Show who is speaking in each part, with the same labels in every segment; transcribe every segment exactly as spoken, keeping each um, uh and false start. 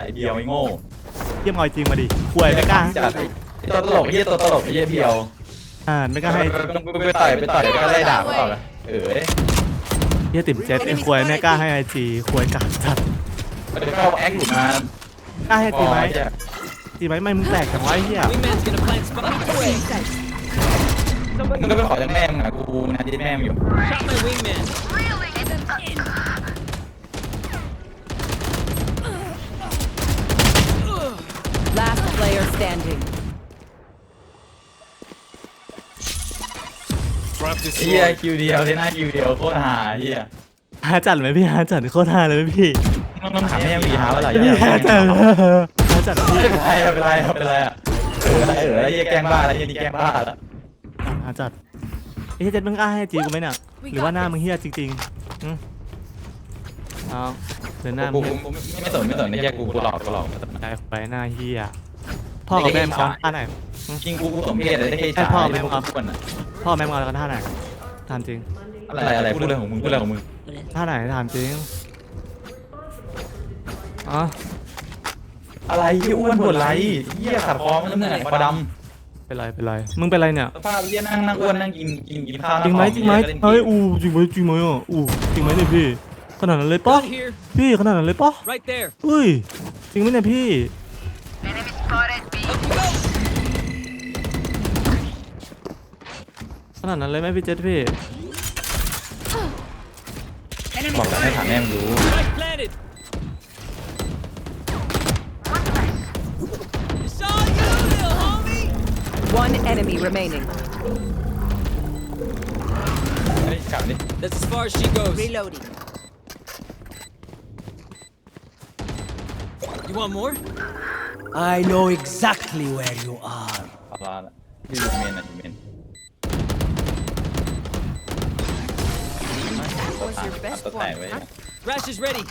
Speaker 1: เบียวไอ้โง่
Speaker 2: เยี่ยมเอาจริงมาดิควยไม่กล้า
Speaker 1: จัดไอ้ตัวตลกไอ้ตัวตลกไอ้เบียว
Speaker 2: อ่าไม่กล้าให้
Speaker 1: ไปต่อยไปต่อยก็ไล่ด่าเขาเลยเออ
Speaker 2: เยี่ยติ่มเจ็ดไอ้ควยไม่กล้าให้ไอจีควยกาดจัด
Speaker 1: เดี๋ยวเข้าแอคหลุดมาก
Speaker 2: ล้าให้ตีไหมตีไหมไม่มึงแตกจังวะไอ้เหี้ย
Speaker 1: มึงก็ไปขอจากแม่มึงอะกูงานที่แม่มึงอยู่
Speaker 3: Last player standing.
Speaker 1: เฮียคิวเดียวที่หน้าคิวเดียวโคตรหาเฮีย
Speaker 2: หาจัดไหมพี่หาจัดโคตรหาเลยพี่
Speaker 1: ต้องต้องถามแม่มึงหาว่าอะไร
Speaker 2: หาจัดหาจัดพี่
Speaker 1: เป็นไรเป็นไรเป็นไรอะเอออะไรเออไอ้เฮียแกล้งบ้าอะไรเฮียนี่แกล้งบ้าแล้ว
Speaker 2: หาจัดไอ้เจ็ดมึงกล้าให้จีกูไหมเนี่ยหรือว่าหน้ามึงเฮียจริงๆอืมเอาเดินหน้ามึง
Speaker 1: ไม่สนไม่สนไอ้เฮียกูกูหลอกกูหลอก
Speaker 2: ไปไปหน้าเฮียพ่อกับแม่มึงเอาท่าไหน
Speaker 1: จริงกูกูสมเพศเลยได้แค่
Speaker 2: พ่อแม่มึงเอาพ่อแม่มึงเอาแล้วกันท่าไหนถามจริง
Speaker 1: อะไรอะไรพูดเรื่องของมึงพูดเรื่องของมึง
Speaker 2: ท่าไหนถามจริงอ๋อ
Speaker 1: อะไรที่อ้วนปวดไหล่เหี้ยขัดคอมันเหนื่อยปลาด
Speaker 2: ำเป็นไรเป็นไรมึงเป็นไรเนี่ย
Speaker 1: สภาพเหี้ยนั่งนั่งอ้วนนั่งกินกินกินข้าว
Speaker 2: จริงไหมจริงไหมเฮ้ยอู้จริงไหมจริงไหมอ่ะอู้จริงไหมเนี่ยพี่ขนาดนั้นเลยปะพี่ขนาดนั้นเลยปะเฮ้ยจริงไหมเนี่ยพี่ขนาดนั้นเลยไหมพี่เจษพี่
Speaker 1: บอกแล้วให้ถามแม่มึงรู้
Speaker 3: One enemy remaining.
Speaker 1: เฮ้ยกลับดิ
Speaker 4: That's as far as she goes.
Speaker 3: Reloading.
Speaker 4: You want more?
Speaker 5: I know exactly where you are.
Speaker 1: ปลาละที่ยูเมนนะยูเมน
Speaker 3: Was your best one, huh?
Speaker 4: Rash is ready.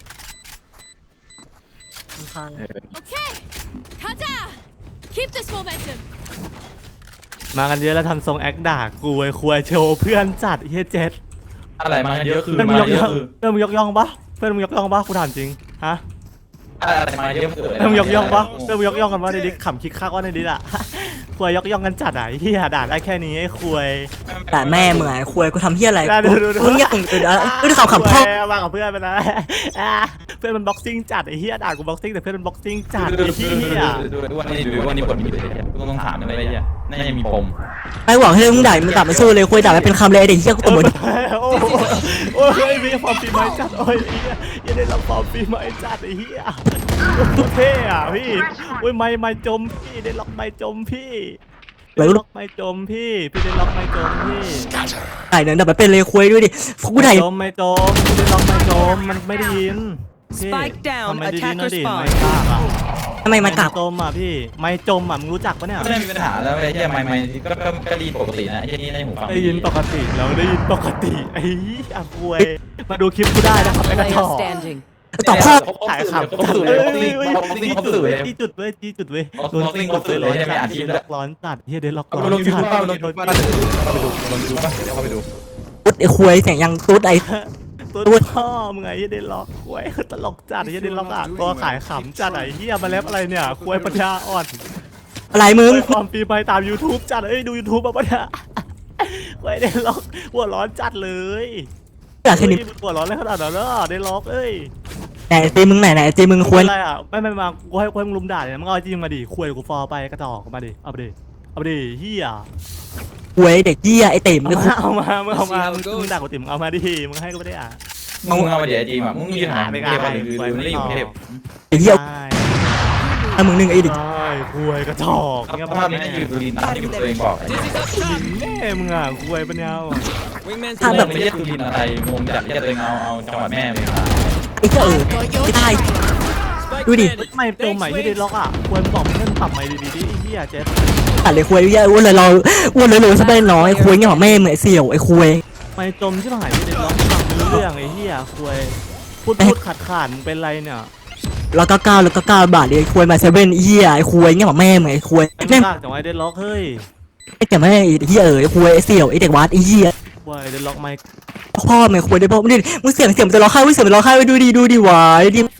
Speaker 6: Okay, 가자. Keep this momentum.
Speaker 2: มากันเยอะแล้วทำทรงแอคด่ากูไอ้ควยโชว์เพื่อนจัดเฮียเจ็ด
Speaker 1: อะไรมาเยอะคือ
Speaker 2: มา
Speaker 1: เยอะ
Speaker 2: คือเพื่อนมึงยกย่องปะเพื่อนมึงยกย่องปะกูถามจริงฮะ
Speaker 1: อะไรมาเยอะเกิด
Speaker 2: เพื่อนมึงยกย่องปะเพื่อนมึงยกย่องกันว่าในดิขำคิกคักว่าในดิอ่ะควยยกย่องกันจัดอ่ะเฮียด่าได้แค่นี้ไอ้ควย
Speaker 5: แต่แม่เหมือนควยกูทำเฮียอะไร
Speaker 2: มึง
Speaker 5: อยากเออเออขำขำพ่อ
Speaker 2: มากับเพื่อนไปนะเพื่อนมันบ็อกซิ่งจัดไอ้เฮียด่ากูบ็อกซิ่งแต่เพื่อนมันบ็อกซิ่งจัดไอ้เฮีย
Speaker 1: ดูวันนี้ดูวันนี้ผลมีเลยกูต้องถามอะไรเงี้ยน่าจะมีปม
Speaker 5: ไอ้หวังให้มึงด่ามึงด่าไม่สู้เลยควยด่าไม่เป็นคำเลยเด็กเฮียกูตบมือ
Speaker 2: โอ้โอ้ยมีความปีใหม่จัดโอ้ยเฮียยังได้รับความปีใหม่จัดไอ้เฮียเท่อะพี่โอ้ยไม่ไม่จมพี่ได้ล็อกไม่จมพี่ได้ล็อกไม่จมพี่พี่ได้ล็อกไม่จมพี่
Speaker 5: ไอ้เนี่ยด่าไม่เป็นเลยควยด้วยดิกูด่า
Speaker 2: จมไม่จมพี่ได้ล็อกไม่จมมันไม่ได้ยิน
Speaker 3: Spike down. Attacker
Speaker 2: ไม่
Speaker 3: spawn.
Speaker 2: กล้าอ่ะ
Speaker 5: ทำไมมันกลับ
Speaker 2: จมอ่ะพี่ไม่จมอ่ะมึงรู้จักปะเนี่ย
Speaker 1: ไม่ได้มีปัญหาแล้วไอ้เหี้ยไม่ไม่ก็ก็ดีปกตินะไอ้เหี้ยนี่ในหูฟัง
Speaker 2: ได้ยินปกติแล้วได้ยินปกติไอ้อ่ะควยมาดูคลิปกูได้นะครับไอ้กระจอก
Speaker 5: ตอบข้อ
Speaker 2: ถ่ายขำ
Speaker 1: เขาสื่อเลยเขาสื่อเลยเขาสื่อเลย
Speaker 2: จี้จุดเว้ยจี้จุดเว้ย
Speaker 1: โดนซิงเขาสื่อเลยใช่ไหมอ่านทีมแล้ว
Speaker 2: ร้อนจัดเฮียเดนล็อกร้อน
Speaker 1: ลงยูทูบป่ะลงยูทูบป่ะเข้าไปดูลงยูทูบป่ะเข้าไปดู
Speaker 5: ตุ๊ดไอ้ควยเสียงยังตุ๊ดไอ้
Speaker 2: ตุ๊ดพ่อมึงไงเฮียเดนล็อกควยตลกจัดเฮียเดนล็อกอ่ะตัวขายขำจัดไอ้เฮียมาเล็บอะไรเนี่ยควยปัญญาอ่อน
Speaker 5: อะไรมึง
Speaker 2: ความปีไปตาม YouTube จัดเอ้ยดู YouTube มาปะเนี่ยควยเดนล็อกหัวร้อนจัดเลย
Speaker 5: อยากแค่นี้
Speaker 2: หัวร้อนเลยขนาดนั้นเหรอเดนล็อกเอ้ย
Speaker 5: ไหนเจมึงไหนไหนเจมึงควร
Speaker 2: อะไรอ่ะไม่ไม่มากูให้กูให้มึงลุมด่าเนี่ยมึงเอาจริงมาดิคุยกูฟอไปกระจอกมาดิเอาไปดิเอาไปดิเฮีย
Speaker 5: ควยเด็กเฮียไอเต็มมึง
Speaker 2: เอามามึงเอามามึงด่ากูติ่มเอามาดิมึงให้กูไม่ได้อ่ะ
Speaker 1: มึงเอามาเดี๋ยวจริงอ่ะมึงยืนหาไม่กล้าไปหรือมึงไม่อยู่เทพ
Speaker 5: เฮียถ้ามึงหนึ่งไอเด็ก
Speaker 2: คุยกระจอก
Speaker 1: เนี่ยภาพนี้อยู่ดูดินตามที่ตัวเองบอก
Speaker 2: แม่มึงอ่ะคุยปัญญา
Speaker 1: ถ้าแบบไม่ใช่ดูดินอะไรงงจัดจะตัวเองเอาเอาจังหวัดแม่เลยครับ
Speaker 5: ไอ้เจ้าเออไม่ได้ดูดิ
Speaker 2: ไม่ตัวใหม่ที่ได้ล็อกอ่ะควรบอกเพื่อนปรับใหม่ดีๆดิเฮียเจ๊
Speaker 5: ตัดเลยคุยเยอะอ้วนเลยเราอ้วนเลยเลยซะเป็นน้อยคุยเงี้ยของแม่เหมือนเสี่ยวไอ้คุย
Speaker 2: ไม่จมที่หายที่ได้ล็อกฟังไม่รู้เรื่องไอ้เฮียคุยพูดพูดขาดขาดเป็นไรเนี่ย
Speaker 5: แล้วก็เก้าแล้วก็เก้าบาทเลยคุยมาเซเว่นเฮียไอ้คุยเงี้ยของแม่เหมือนไอ้คุย
Speaker 2: แม่จังไว้ได้ล็อกเฮ้ย
Speaker 5: ไอ้แต่แม่ไอ้เฮียเออไอ้คุยไอ้เสี่ยวไอ้เด็กวัดไอ้เฮีย
Speaker 2: ว่าได้ล็อกไมค์
Speaker 5: พ่อแม่คุยได้พ่อมึงดิมึงเสียงเสียงจะร้องไห้มึงเสียงจะร้องไห้ไปดูดิดูดิวายดิ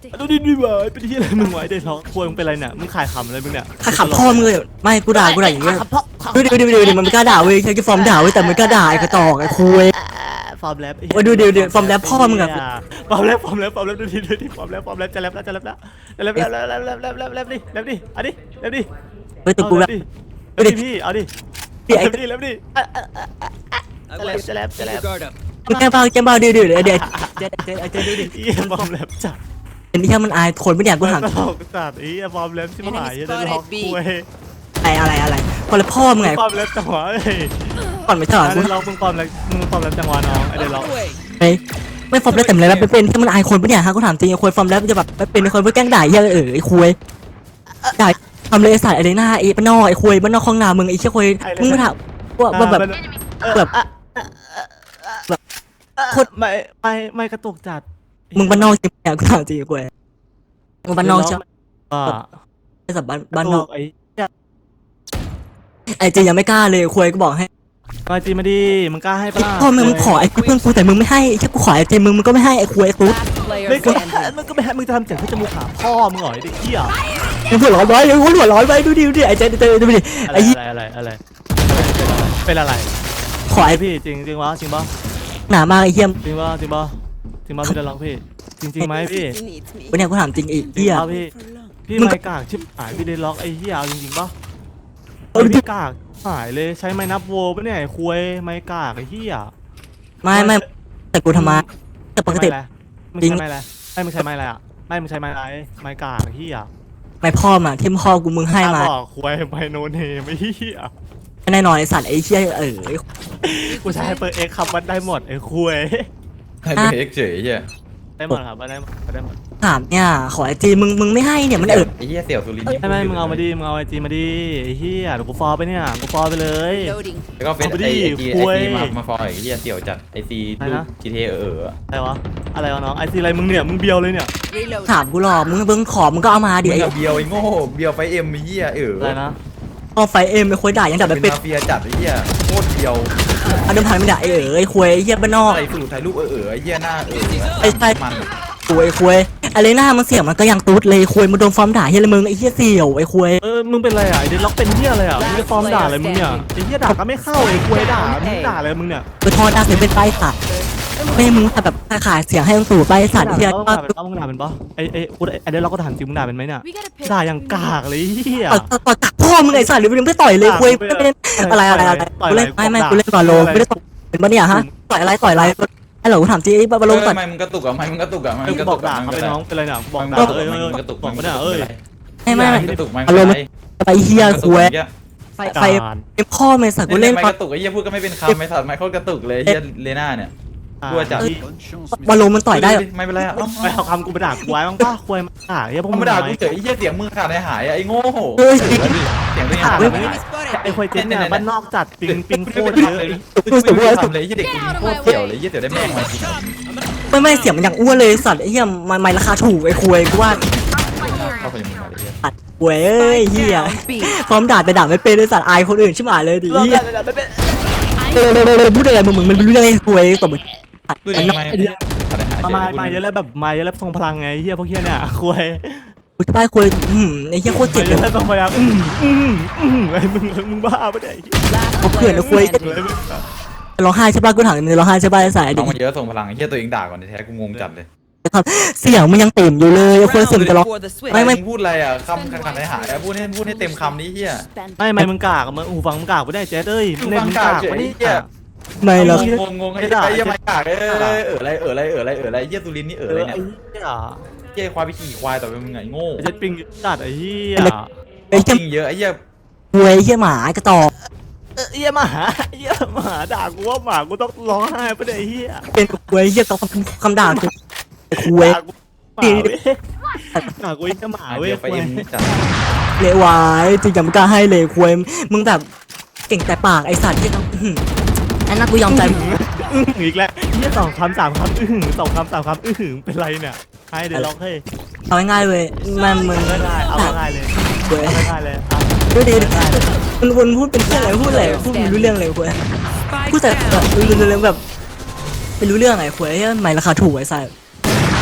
Speaker 2: ดูดิดิบ่เป็นที่อะไรมึงไว้เด็ดล็อกควยมึงเป็นไรเนี่ยมึงขายขำอะไรมึงเนี่ย
Speaker 5: ถ้าขับพ่อมึงเลยไม่กูด่ากูด่าอย่างเงี้ยดูดิดูดิดูดิมันไม่กล้าด่าเว้ยใช้ฟอร์มด่าเว้ยแต่มันกล้าด่าไอ้กระตอกไอ้คุย
Speaker 2: ฟอร์มแรป
Speaker 5: โอ้ยดูดิดูดิฟอร์มแรปพ่อมึงอะ
Speaker 2: ฟอร์มแรปฟอร์มแรปฟอร์มแรปดูดิดูดิฟอร์มแรปฟอร์มแรปจะแรปแล้วจะแรปแล้วจะแรปแล้วแรปแรปแรปแรปแรปดิแรปดิเอาดิแรปดิ
Speaker 5: เฮ้ยตัวกูแบบ
Speaker 2: เอาดิพี่เอาดิ
Speaker 5: พี่ไอ้
Speaker 2: แรปดิแรปดิ
Speaker 4: I
Speaker 2: จะแรป
Speaker 4: wish.
Speaker 2: จะแรปจะแร
Speaker 4: Keep
Speaker 2: ป
Speaker 4: your guard up.
Speaker 5: แกมเบาแกมเบาดูดิเดี๋ยวเดี๋ยวเดี๋ยวเดี๋ยวเดี๋ยวดูดิ
Speaker 2: อีฟอร์มแรปจัด
Speaker 5: เห็นที่มันอายคนไม่อยากกูถาม
Speaker 2: ตลกจัดอีฟอร์มแรปชิบหายจะล็อกคุย
Speaker 5: อะไรอะไรอะไรพอแล้วพ่อมึงไง
Speaker 2: ฟอร์มแรปจังหวะเอ้ย
Speaker 5: ก่อนไม่ใช่หรอ
Speaker 2: ไอ้
Speaker 5: กู
Speaker 2: เดล็อกมึงฟอร์มแรปมึงฟอร์มแรปจังหวะน้องไอ้เดล็อก
Speaker 4: Out of the way.
Speaker 5: ไม่ไม่ฟอร์มแล้วแต่อะไรแบบเป็นที่มันอายคนปะเนี่ยฮะกูถามจริงไอ้คุยฟอร์มแล้วจะแบบเป็นคนเพื่อแกล้งด่าเยอะเออไอ้คุยด่าทำเลยไอ้สายอะไรหน้าไอ้บ้านนอกไอ้คุยบ้านนอกคลองนามึงไอ้เชี่ยคุยมึงมาถามว่าว่าแบบแบบแบบโคตร
Speaker 2: ไม่ไม่ไม่กระตุกจัด
Speaker 5: มึงบ้านนอกจริงเนี่ยกูถามจริงคุยมึงบ้านนอกใช่ไหม
Speaker 2: อ่า
Speaker 5: ไอ้สับบ้านบ้านนอก
Speaker 2: ไอ้
Speaker 5: ไอ้เจยังไม่กล้าเลยคุยก็บอกให้
Speaker 2: มาจีมาดิมึงกล้าให้ปะล่ะ
Speaker 5: พ่อมึงมึงขอไอ้เพื่อนกูแต่มึงไม่ให้แค่กูขอไอ้เจมึงมึงก็ไม่ให้ไอ้คุยไอ้ตุ๊ด
Speaker 3: Last player
Speaker 2: ไม่ก็
Speaker 3: standing.
Speaker 2: มึงก็ไม่ให้มึงจะทำเสียงเพื่อจมูกหาพ่อมึงเหรอไอ้เด็กเหี้ย
Speaker 5: มึงหัวร้อนไว้มึงหัวร้อนไว้ดูดิดูดิไอ้เจเจดูดิ
Speaker 2: อะไร
Speaker 5: ไอ้ยี่
Speaker 2: อะไรอะไรเป็นอะไร
Speaker 5: ขอไอ้
Speaker 2: พี่จริงจริงวะจริงปะ
Speaker 5: หนามากไอ้เหี้ยม
Speaker 2: จริงปะจริงปะจริงปะพี่เดล็อกพี่จริงจริงไหมพี่
Speaker 5: วันนี้กูถามจริงไอ้
Speaker 2: จริง
Speaker 5: เหี้ย
Speaker 2: ปะพี่พี่
Speaker 5: มึงก็
Speaker 2: ไม่กากชิบหายพี่เดล็อกไอ้เหี้ยเอาจริงๆปะ
Speaker 5: เออ
Speaker 2: พี่กากหายเลยใช้ไม้นับโวปะเนี่ยไอ้คุยไม้กากไอ้เหี้ย
Speaker 5: ไม่ไม่แต่กูทำไมแต่ปกติ
Speaker 2: ไม่ใช่ไม้อะไรไม่มึงใช้ไม้อะไรอ่ะไม่มึงใช้ไม้อะไรไม้กากไอ้เหี้ย
Speaker 5: ไม่พ่อมาที่พ่อกูมึงให้มา
Speaker 2: บอกคุยไม้โนเนมไอ้เหี้ย
Speaker 5: แน่นอนไอ้สัตว์ไอ้เหี้ยเออ
Speaker 2: กูใช้เปิดเอ็กคำวัดได้หมดไอ้คุย
Speaker 1: ให้ไปเอ็กเฉยเหี้ย
Speaker 2: ได้หมดครับได้หมดได้หมด
Speaker 5: ถามเนี่ยขอไอ้จีมึงมึงไม่ให้เนี่ยมันเออ
Speaker 1: ไอ้เหี้ยเสี่ยวสุรินทร์
Speaker 2: ไม่ไม่มึงเอามาดิมึงเอาไอจีมาดิไอ้เหี้ยเดี๋ยวกูฟอลไปเนี่ยกูฟอลไปเลย
Speaker 3: Loading.
Speaker 1: แล้วก็เป็น
Speaker 2: เอาไปดิ
Speaker 1: ไอ้ไอจี
Speaker 2: คุ
Speaker 1: ไอย ซีมามาฟอยไอ้เหี้ยเสี่ยวจัดไอซี
Speaker 2: อะไร
Speaker 1: ลูก
Speaker 2: นะ
Speaker 1: จีเทเออเออ
Speaker 2: อะไรวะอะไรวะน้องไอซีอะไรมึงเนี่ยมึงเบียวเลยเนี่ย
Speaker 3: Reload.
Speaker 5: ถามกูหรอกมึงมึงขอมึงก็เอามาดิ
Speaker 1: มึง
Speaker 5: ไอ้
Speaker 1: กับเบียวไอ้โง่เบียวไฟเอ็มไอ้เหี้ยเออ
Speaker 2: อะไรนะ
Speaker 5: พ่อไฟเอ็มไอ้คุยด่ายังดับ
Speaker 1: เป็
Speaker 5: ไม่เป็น
Speaker 1: นมาเฟียจัดไอ้เหี้ยโคตรเบียว
Speaker 5: อันเดิมพันไม่ด่าไอ้เออไอ้คุยไอ้เหี้ยบ้านนอก
Speaker 1: อะไรสูตรถ่ายรูปเออเออไอ้เหี้ยหน้าเออ
Speaker 5: ไอ้ใช่
Speaker 1: มัน
Speaker 5: คุยคุยอะไรหน้ามันเสียงมันก็ยังตุ๊ดเลยคุยมาโดนฟอร์มด่าเฮียเลยมึงไอ้เหี้ยเสี่ยวไอ้คุย
Speaker 2: เออมึงเป็นอะไรอ่ะไอเดนล็อกเป็นเหี้ยอะไรอ่ะมึงจะฟอร์มด่าอะไรมึงเนี่ยไอ้เหี้ยด่าก็ไม่เข้าไอ้คุยด่ามึงด่าอะไรมึงเนี่ย
Speaker 5: ไปทอดด่าเสียงเป็นไปสัตว์ไม่มึงแบบขายเสียงให้มึงตู่ไปสัตว์เฮีย
Speaker 2: มึงด่าเป็นปะมึงด่าเป็นปะไอไอกูไอเดนล็อกก็ถามจริงมึงด่าเป็นไหมเนี่ย
Speaker 6: We gotta pick.
Speaker 2: ด่าอย่างกากเลยเหี้ย
Speaker 5: ต่อต่อตักพ่อมึงไอ้สัตว์หรือมึงไม่ต่อยเลยคุยไม่เล่นอะไรอะไรอะไรกูเล่นไม่ไม่กูเล่นบอลโลไม่ได้ต่อยเป็นปะเนี่ยฮะต่อยอะไรต่อยอะไรไอ้เหล่ากูถามจริงไอ้บอลโล
Speaker 1: เออ
Speaker 5: ต่อย
Speaker 1: ทำไมมึงกระตุกอ่ะทำไมมึงกระตุกอ่ะทำไม
Speaker 2: ไอ้
Speaker 1: มึง
Speaker 2: กู
Speaker 1: กระ
Speaker 2: บ
Speaker 1: ตุ
Speaker 2: อก
Speaker 1: ก
Speaker 2: ด่า
Speaker 1: อ่ะ
Speaker 2: เขาไปน้องเป็นไรเนี่ยบอก
Speaker 1: มึง
Speaker 2: ด่าก
Speaker 1: ระตุก
Speaker 2: เอ้ย
Speaker 1: มึ
Speaker 2: เอ้ย
Speaker 1: งกระตุก
Speaker 2: บอกไม่ได้เอ้ย
Speaker 5: ไม่ไม่
Speaker 1: กระตุกไม่
Speaker 5: อารมณ์
Speaker 1: ไร
Speaker 5: ไปเฮียคุยไฟไฟพ่อไม่สัตว์กู
Speaker 1: กู
Speaker 5: เล่
Speaker 1: เล่
Speaker 5: น
Speaker 1: นไม่กระตุกไอ้เหี้ยพูดก็ไม่เป็นคำไม่สัตว์ไม่โคตรกระตุกเลยไอ้เหี้ยเลน่าเนี่ย กลัวจัด
Speaker 5: บอลโลมันต่อยได้
Speaker 1: ไม่เป็นไรอ่ะ
Speaker 2: ไปเอาคำกูไปด่ากูไว้บ้างป่ะคุยมาด่าไอ้พวก
Speaker 1: ธร
Speaker 2: มึ
Speaker 1: รง มดากูเฉยไอ้เหี้ยเสียงมือขาดในหายอ่ะไอ้โง่เสียงตัวเองขาดในหาย
Speaker 2: ไอ้คุยเจ๊เนี่ยบ้านนอกจัดปิงปิงโคตรเยอะ
Speaker 1: ไม่รู้ทำเลยไอ้เหี้ยเด็กโคตรเสี่ยวเลยไอ้เหี้ยเสี่ยวได้แม่งมาจริง
Speaker 5: ไม่ไม่เสียงมันอย่างอ้วนเลยสัตว์ไอ้เหี้ยมันไม่ราคาถูกไอ้คุยกูว่า
Speaker 1: เข้าไปมึงมาเลยเหี้ย
Speaker 5: สัตว์เว้ยเฮีย
Speaker 3: Down B.
Speaker 5: พร้อมด่าแต่ด่าไม่เป็นเลยสัตว์อายคนอื่นชิบหายเลยดิเฮียเออพูดอะไรมึงมึงมันรู้เรื่องไอ้คุยต่อมึง
Speaker 1: ดูดิทำไมขาดในหาย
Speaker 2: มามาเยอะแล้วแบบมาเยอะแล้วทรงพลังไงเฮียพวกเฮียเนี่ยคุย
Speaker 5: กูจะไปคุยอืมไอ้เหี้ยโคตรเจ็บ
Speaker 2: เย
Speaker 5: เลย
Speaker 2: อะแล้วทรงพลังอืมอืมอืมไอ้มึงมึงบ้าปะเนี่ย
Speaker 3: Last
Speaker 5: เขาเพื่อน
Speaker 3: player
Speaker 5: นะคุย
Speaker 3: standing.
Speaker 5: ร้องไห้ใช่ป่ะกูถามมึงร้องไห้ใช่ป่ะไอ้สาย
Speaker 1: น้
Speaker 5: ดิ
Speaker 1: องมันเยอะส่งพลังไอ้เหี้ยตัวเองด่าก่อนแท้กูงงจัดเลย
Speaker 5: เสียงมันยังเต็มอยู่เลยไอ้คุยเสียงจะร้อง
Speaker 3: For the switch.
Speaker 5: ไม่ไม่
Speaker 1: มึงพูดอะไรอ่ะคำขาดในหายอ่ะพูดให้พูดให้เต็มคำนี้เหี้ย
Speaker 2: ไม่ไม่มึงกากมึงหูฟังมึงกากไม่ได้เจ๊เอ้ยเล่นมึงกากไม่ได้
Speaker 5: ไม่หรอก
Speaker 1: งงงงไอ้ไอ้ยังไม่กากเออเอออะไรเอออะไรเอออะไรเอออะไรเหี้ยตุลินนี่เออ
Speaker 2: เอ
Speaker 1: อะไร
Speaker 2: อ
Speaker 1: เนี่ย
Speaker 2: ไอ้เหี้ย
Speaker 1: เหี้ยควายไปขี่ควายต่อไปมึงไงโง่
Speaker 2: เจ๊ปิงจัดไอ้เหี้ย
Speaker 5: ไอ้
Speaker 1: จ
Speaker 5: เหี้ย
Speaker 1: ริงเยอะไอ้เหี้ย
Speaker 5: คุยเหี้ยหมากระตอก
Speaker 2: เหี้ยหมาเหี้ยหมาด่ากูว่าหมากูต้องร้องไห้ปะเนี่ยเหี้ย
Speaker 5: เป็นคุยเหี้ยต้องคำด่ากูคุย
Speaker 2: ด่ากูหมาเว้ยด่ากูไอ้หมาเว้ย
Speaker 1: เดี๋ยวไปเอ็มจัด
Speaker 5: เลวายจริงจังไม่กล้าให้เลยคุยมึงแบบเก่งแต่ปากไอ้สัตว์ที่ต้องอันนั้นกูยอมใจ
Speaker 2: อื้อหืออีกแล้วเหี้ยสองคำสามคำอื้อหือสองคำสามคำอื้อหือเป็นไรเนี่ยให้เดี๋ยวร้องให้
Speaker 5: เอาง่ายๆเลยมันมึง
Speaker 2: เอาง่ายๆเอาง่ายๆเลย
Speaker 5: เว้ย
Speaker 2: เอาง่ายๆเลยอ่ะ
Speaker 5: ดูดิมันวนพูดเป็นเรื่องอะไรพูดอะไรพูดไม่รู้เรื่องเลยคุย พูด
Speaker 3: Spike
Speaker 5: แต่แบบ
Speaker 3: down.
Speaker 5: เรื่องแบบไม่รู้เรื่องไงคุยไม่ราคาถูกไอ้สัส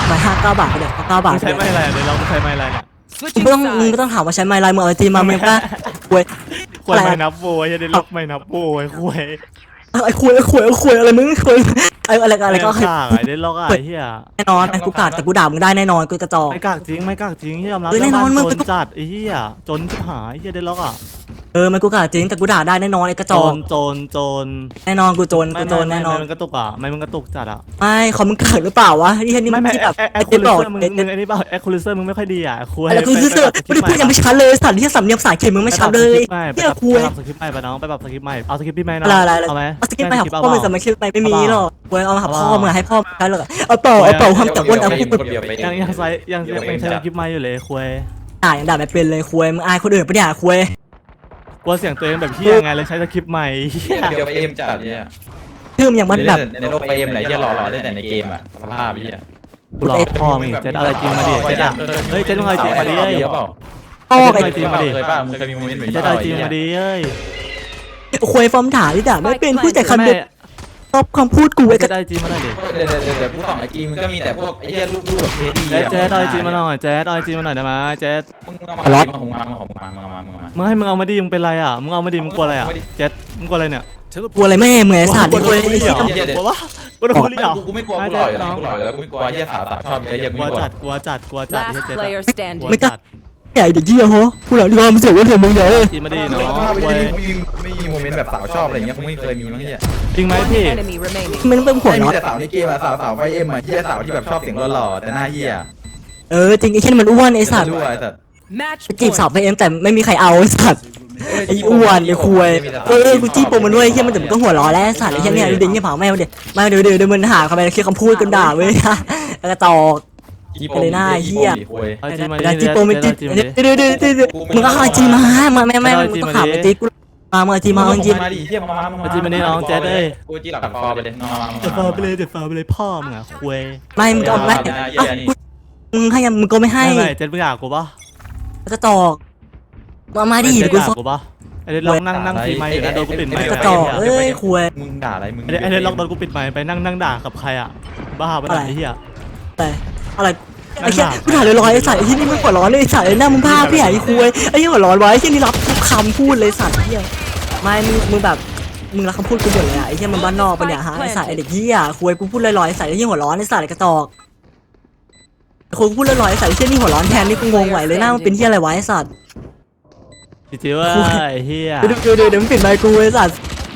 Speaker 5: มาห้าเก้าบาทไปเดี๋ยวเก้าบาท
Speaker 2: มึง
Speaker 5: ไป
Speaker 2: ใช้
Speaker 5: เดี๋ยว
Speaker 2: ไม้อะไรเดี๋ยวเราใช้ไม้อะไรเนี่ย
Speaker 5: มึง
Speaker 3: Switching
Speaker 5: ไม่ต้องมึง
Speaker 3: sides.
Speaker 5: ไม่ต้องถามว่าใช้ไม้ลายมือเอาไอจีมามึงก็ควย
Speaker 2: ควรไม่นับโวยจะได้ล็อกไม่นับโวยคุย
Speaker 5: ไอ้ควยไอ้ควยไอ้ควยอะไรมึงควยไอ้อะไรก็อะไรก็
Speaker 2: ข้างไอ้ได้ล็อกไอ้เหี้ย
Speaker 5: แน่นอนไอ้กูกาดแต่กูด่ามึงได้แน่นอนกูกระจอก
Speaker 2: ไม่กากจริงไม่กากจริงที่ยอมรับ
Speaker 5: เออแน่นอนมึง
Speaker 2: จนจัดไอ้เหี้ยจนชิบหายไอ้เหี้ยได้ล็อกอ่ะ
Speaker 5: เออมันกูกาดจริงแต่กูด่าได้แน่นอนไอ้กระ
Speaker 2: โจ
Speaker 5: จอก
Speaker 2: นโจนโจน
Speaker 5: แน่นอนกูโจร
Speaker 2: ไม่
Speaker 5: กูโจร
Speaker 2: ไม่
Speaker 5: แน่นอน
Speaker 2: ไม่มันกระตุกอ่ะไม่มันกระตุกจัดอ่ะ
Speaker 5: ไม่เขามึงกาดหรือเปล่าวะนี่นี่
Speaker 2: ไม่ไม่
Speaker 5: ที่
Speaker 2: แอ
Speaker 5: แบบ
Speaker 2: คแอค
Speaker 5: ไอ้
Speaker 2: คู
Speaker 5: ที่
Speaker 2: ลิ
Speaker 5: บอก
Speaker 2: เซอร์มึงมึงไอ้นี่เปล่าแอคคูลิเซอร์มึงไม่ค่อยดีอ่ะคุย
Speaker 5: อะไรกูซื้อเสื้อไม่ได้พูดยังไม่ชัดเลยสัตว์ที่สำเนียงภาษาอังกฤษมึงไม่ชัดเลย
Speaker 2: ไป
Speaker 5: เฮีย
Speaker 2: ปรับ
Speaker 5: คุย
Speaker 2: สคริปต์ใหม่ไปน้องไปปรับสคริปต์ใหม่เอาสคริปต์พี่ใหม่น้อง
Speaker 5: อะไรอะไรอะไร
Speaker 2: เอาไหม
Speaker 5: เอาสกิปไปหา
Speaker 2: ด้
Speaker 5: พ่อมึง
Speaker 2: เป
Speaker 5: ส
Speaker 2: ล่า
Speaker 5: มัยชื่อไปไม่มีหรอกเว้ยเอามาหา
Speaker 2: เอา
Speaker 5: พ่อ
Speaker 2: เปล่า
Speaker 5: มึงให้พ่อใช้หรอกเอาเปล่าเอาเปล่าห้ามแต่อ้วนแต่พูด
Speaker 1: เดี๋ยวไป
Speaker 2: ยังยังใช้ยังยังยังใช้สคริปต์ใหม่อยู่เลยคุย
Speaker 5: ด่ายังด่าไม่เป็นเลยคุยมึงอายคนอื่นปะเนี่ยคุย
Speaker 2: กลัวเสียงตัวเองแบบเฮียไงเลยใช้สคริปต์ใหม่เหี้ย
Speaker 1: เดี๋ยวไปเอ็มจัดเนี่ย
Speaker 5: ชื่อมันอย่างมันแบบ
Speaker 1: ในโลกไปเอ็มไหนที่หล่อๆได้แต่ในเกมอ่ะสภาพพี่อ่ะ
Speaker 2: กูหลอกพ่อมึงอีกเจ็ดอะไรจริงมาดิเจ็ดอ่ะเฮ้ยเจ็ดมึงอะไรจริงมาดิเฮ้ย
Speaker 1: เปล่า
Speaker 5: พ่อ
Speaker 2: เจ็ด
Speaker 5: ไอ้
Speaker 2: มึงจริงมาดิ
Speaker 1: เคยป่ะมึงเคยมีโมเมนต์แบบนี้
Speaker 2: เจ็ดอะไรจริงมาดิเฮ้ย
Speaker 5: คุยฟอร์มด่าที่ด่าไม่เป็นพูดแต่คำเด็
Speaker 2: แม่
Speaker 5: ดชอบคำพูดกูไอ้
Speaker 2: เจ็
Speaker 5: ก
Speaker 2: ด
Speaker 5: ระ
Speaker 2: อะไรจริงมาหน่อยดิ
Speaker 1: เดี๋ยวเดี๋ยวเดี๋ยวกูส่องไอจีมึงก็มีแต่พวกไอ้เหี้ยรูปรูปแบบเทดี
Speaker 2: เจ็ดเจ็ดอะไรจริงมาหน่อยเจ็ดอะไรจริงมาหน่อยได้ไหมเจ็ด
Speaker 1: มึงเอามามาของมามาของมามามามา
Speaker 2: มึงให้มึงเอามาดิมึงเป็นไรอ่ะมึงเอามาดิมึงกลัวอะไรอ่ะเจ็ดมึงกลัวอะไรเนี่ย
Speaker 5: กลัวอะไรแม่เหมือนสัตว์
Speaker 2: กลัว
Speaker 5: คุย
Speaker 2: อะไรเนี่ยกลัววะกลัวอะไรอ่ะ
Speaker 1: กูไม่กลัวกูหล่ออยู่แล้วกูหล่ออยู่แล้วกูไม่กลัวเหี้ยสาวสาวชอบเหี้ย
Speaker 2: ก
Speaker 1: กู
Speaker 2: ลัว
Speaker 1: ไม่กลัว
Speaker 2: จัดกลัวจัดกลัวจัด
Speaker 3: Last
Speaker 2: เจ็ด
Speaker 3: player
Speaker 2: กลัว
Speaker 3: standing.
Speaker 2: จัด
Speaker 5: ใหญ่เด็กเยี่ยโหกูหลังที่ว่ามันเสียว่าเสียมึงเยอะ
Speaker 2: จีมาดิน้อง
Speaker 1: ไม่ไม่มีโมเมนต์แบบสาวชอบอะไรเงี้ยคงไม่เคยมีมั้งเหี้ย
Speaker 2: จริงไหม
Speaker 3: One
Speaker 2: พี่
Speaker 3: enemy remaining.
Speaker 5: มันเป็นหัว
Speaker 1: ไม่มี
Speaker 5: เนาะ
Speaker 1: แต่สาวในเกมอะสาวสาวไฟเอ็มอะเหี้ยสาวที่แบบชอบเสียงหล่อๆแต่หน้าเหี้ย
Speaker 5: เออจริงไอ้เช่นมันอ้วนไอ้สัตว์
Speaker 1: ด้วยแต่
Speaker 3: Match
Speaker 5: จีบ
Speaker 3: point.
Speaker 5: สาวไปเองแต่ไม่มีใครเอาไอ้สัตว์ไอ้อ้วนไอ้คุยเออกูจี้ปมมันด้วยไอ้เช่นมันแต่มันก็หัวร้อนแล้วไอ้สัตว์ไอ้เช่นเนี่ยดูดิเนี่ยเผาแม่เดี๋ยวมาเดี๋ยวเดี๋ยวเดี๋ยวมันหาคำไปคิดคำพูดกันด่าเว้ยกระจอก
Speaker 2: เอาจีมาดิ
Speaker 5: ด่าจีปมมันจี
Speaker 2: จีมาดิ
Speaker 5: เดี๋ยวเดี๋ยวเดี๋ยวเดี๋ยวมึงก็เอาจีมามาแม่แม่มึงก็ขาไปจีกูมาเมื่อจีมาเอาจี
Speaker 1: มาดิเหี้ยมามามา
Speaker 2: จีมาดิน้องเจ๊เอ้ย
Speaker 1: กูจีหลังคอไปเลยนอน
Speaker 2: เดี๋ยวฟาไปเลยเดี๋ยวฟาไปเลยพ่อมึงอ่ะคุย
Speaker 5: ไม่มึงก็ไม่มึงให้มึงก็ไม่ให้
Speaker 2: ไม่ไม่เจ๊มึงอยากกูปะ
Speaker 5: กระจอกมามาดิ
Speaker 2: เจ๊
Speaker 5: เดี๋ยว
Speaker 2: มึ
Speaker 5: กู
Speaker 2: งอยากกูปะไอเด็ดล็อกนั่งนั่งทีไมค์อยู่นะโดนกูปิดไมค์
Speaker 5: กระจอกเอ้ยคุย
Speaker 1: มึงด่าอะไรมึง
Speaker 2: ไอเด็ดไอเด็ดล็อกโดนกูปิดไมค์ไปนั่งนั่งด่ากับใครอ่ะบ้าปะเนี่ยไอ้เหี้ย
Speaker 5: แต่อะไรไอ้เชี่ยกูถ่ายลอยๆไอ้สัตว์ไอ้ที่นี่มึงหัวร้อนเลยไอ้สัตว์ไอ้หน้ามึงภาพพี่ใหญ่คุยไอ้ที่หัวร้อนไว้ไอ้ที่นี่รับทุกคำพูดเลยสัตว์เหี้ยไม่มึงมึงแบบมึงรับคำพูดกูหมดเลยอะไอ้ที่มันบ้านนอกปะเนี่ยฮะไอ้สัตว์ไอ้เด็กเหี้ยคุยกูพูดลอยๆไอ้สัตว์ไอ้ที่หัวร้อนไอ้สัตว์ไอ้กระจอกคุยกูพูดลอยๆไอ้สัตว์ไอ้ที่นี่หัวร้อนแทนนี่กูงงไหวเลยหน้ามันเป็นเหี้ยอะไรวะไอ้สัตว์
Speaker 2: จริงๆว่าไอ้เหี้ย
Speaker 5: เดี๋ยวเดี๋ยวเดี๋ยวมึงปิดไมค์กูไอ้สัตว์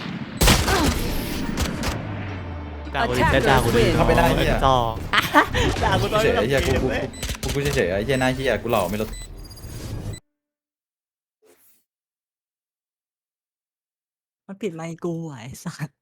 Speaker 2: ด่ากูดิเจ๊ด่ากูดิไอ้กระจอก
Speaker 5: ด่ากูตอน
Speaker 1: เฉย
Speaker 5: นี้
Speaker 1: ไอ้เหี้ยกูกูกูเฉยไอ้เหี้ยหน้าเหี้ยกูหล่อไม่ลด
Speaker 5: มันปิดไมค์กูไอ้สัตว์